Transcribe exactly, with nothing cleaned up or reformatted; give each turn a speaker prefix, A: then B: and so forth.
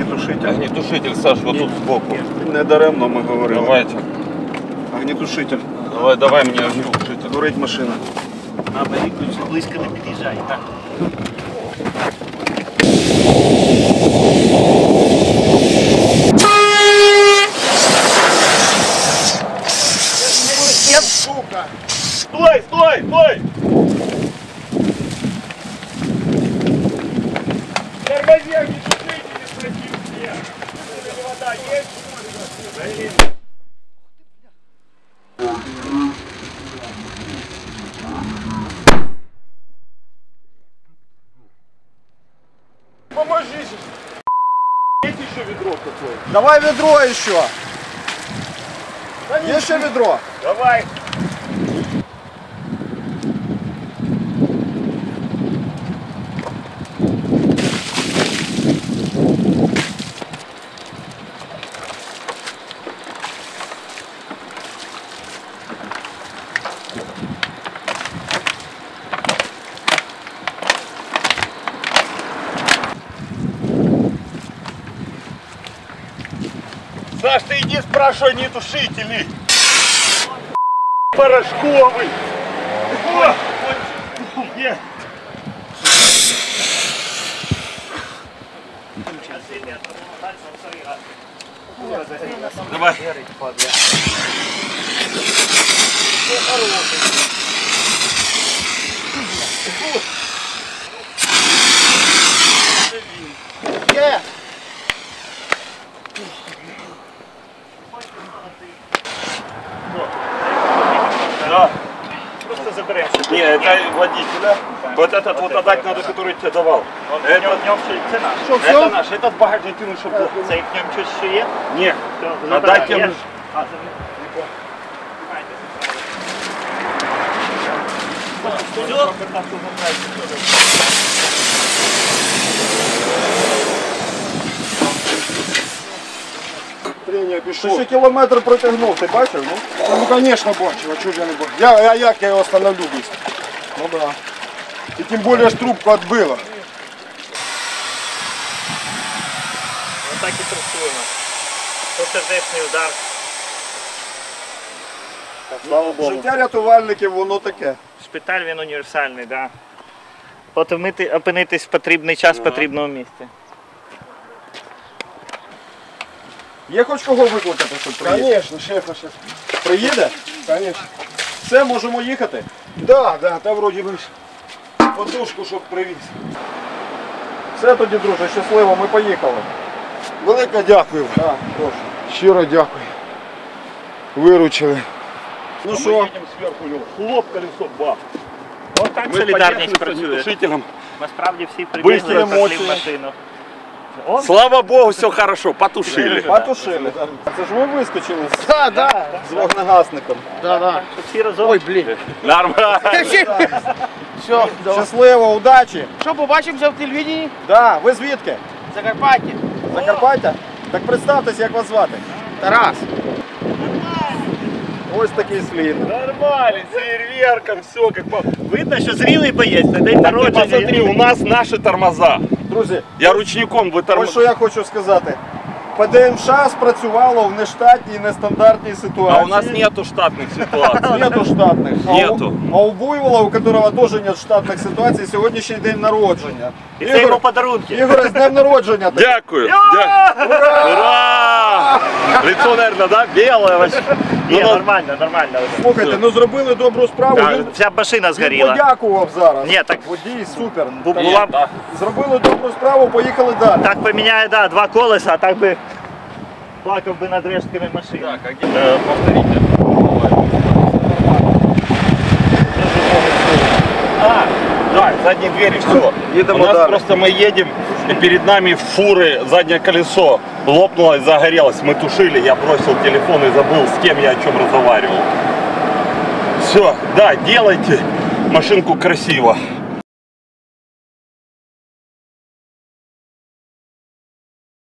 A: огнетушитель.
B: Огнетушитель, Саш, вот тут сбоку.
A: Не даремно ми говорили.
B: Давайте.
A: Огнетушитель.
B: Давай, давай мне огнетушитель.
A: Горить машина.
C: Мама, Вікторович, близько не під'їжджай. Так.
A: Сука!
B: Стой, стой, стой!
A: Тормози, огнетушитель, спросил все. Вода есть? Поможи же. Есть еще ведро какое? Давай ведро еще. Да есть еще ведро? Давай.
B: Саш, ты иди спрашивай огнетушители. Порошковый. О! Нет. Давай.
A: Yeah.
B: Да.
C: Просто заберемося.
B: Не, это водителя. Вот этот вот отдать надо, который тебе давал.
C: Это в ньому ще це наш.
A: Что,
B: Это
A: все?
B: наш, этот багажник тянуть, чтобы...
C: Це як в ньому щось ще є?
B: Нет,
C: Все,
B: отдать
C: забирай.
B: тем...
C: А, це не.
A: Тренія пішло. Ти ще кілометр протягнув, ти бачив? Ну, ну звісно, бачив, а чого ж я не бачив? Я, а як я його остановлю быстро? Ну да. І тим більше ж трубку відбило.
C: Отак і працюємо. Це сердечний удар.
A: Слава Богу. Життя рятувальників, воно таке.
C: Шпиталь він універсальний, так. Да. Опинитись в потрібний час в потрібному місці.
A: Є хоч кого викликати, щоб приїде? Звісно, шефа ще. Приїде? Звісно. Все, можемо їхати? Так, да, так, да, та вроді би ж подушку, щоб привіз. Все тоді, друже, щасливо, ми поїхали. Велике дякую. Так, прошу. Щиро дякую. Виручили. Ну
B: Мы
A: що?
B: едем сверху, у него хлоп, колесо, бах.
C: От так
B: Мы
C: солідарність
B: поехали с
C: працює.
B: огнетушителем.
C: Насправді всі прибігли,
B: Бистрі
C: пошли
B: емоції.
C: в машину. О,
B: Слава Богу, все хорошо, потушили.
A: Потушили. Це ж ви вискочили з, да, да. з вогнегасником.
C: да, да. Всі разом. Ой, блін.
B: Нормально.
A: Все, щасливо, удачі.
D: Що, побачимося в телевізії?
A: Да, ви звідки?
D: Закарпаття.
A: Закарпаття? Так представтесь, як вас звати.
D: Тарас.
A: Ось такий слід.
B: Нормально, с фейерверком, все как по...
C: Видно, що зрілий боєць на день
B: Так ты
C: народження.
B: посмотри, у нас наши тормоза.
A: Друзі,
B: Я ручником
A: ось що
B: вытормозил.
A: я хочу сказати. ПДМШ спрацювало в нештатній, нестандартній ситуації.
B: А у нас нету штатных ситуаций.
A: Нету штатних.
B: Нету.
A: А у, а у Буйвола, у которого тоже нет штатних ситуацій, сьогоднішній день народження.
C: І це йому подарунки.
A: Ігор, з днем народження.
B: Дякую. Дя- Ура! Лицо, наверное, да? Белое вообще.
C: Ні,
B: Ну,
C: нормально, нормально.
A: Слухайте, ну зробили добру справу.
B: Так.
A: Він,
C: Вся машина
A: він
C: згоріла.
A: подякував зараз.
C: Ні, так-
A: Водій, супер.
C: Бу-
A: Так,
C: була б-
B: да.
A: Зробили добру справу, поїхали далі.
C: Так поміняє, да, два колеса, а так би плакав би над рештками машини.
B: Так, а где- э, повторите. А, да, задние двери, все.
A: Едем
B: У нас
A: удар.
B: просто мы едем, и перед нами фуры, заднее колесо лопнуло и загорелось. Мы тушили, я бросил телефон и забыл, с кем я о чем разговаривал. Все, да, делайте машинку красиво.